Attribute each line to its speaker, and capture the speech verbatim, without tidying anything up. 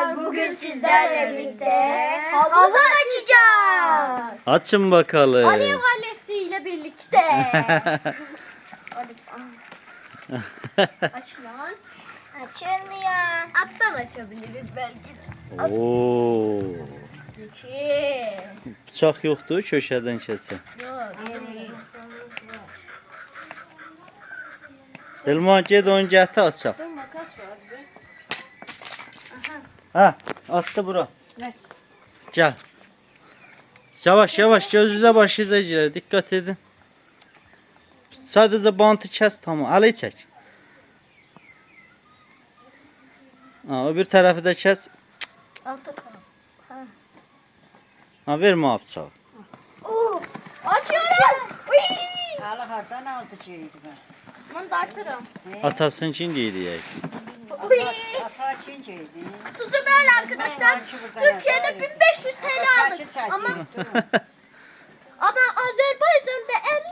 Speaker 1: arkadaşlar, bugün sizlerle birlikte havuz açacağız.
Speaker 2: Açın bakalım.
Speaker 1: Alev valesiyle birlikte. Aç lan. Açılmıyor. Alttan açabiliriz belki de.
Speaker 2: Oo.
Speaker 1: İki.
Speaker 2: Bıçak yoktu, köşeden kesin.
Speaker 1: Yok.
Speaker 2: Elman ged onu gətir açaq.
Speaker 1: Dur, makas var bir.
Speaker 2: Ha, attı bura.
Speaker 1: Ver.
Speaker 2: Gel. Yavaş yavaş gözünüze başınıza girer. Dikkat edin. Sadece bantı kes tamam. Alayı çek. Ha, öbür tarafı da kes.
Speaker 1: Altta tamam.
Speaker 2: Ha, verme abi bıçağı.
Speaker 1: Oo, açıyorum. Uy.
Speaker 3: Hala hardan aldı şeydi ben.
Speaker 1: Bunu dartırım.
Speaker 2: Atasın için değil ya.
Speaker 1: Uy.
Speaker 3: Ata şeydi.
Speaker 1: Kutusu böyle arkadaşlar. Türkiye'de bin beş yüz T L aldık. Ama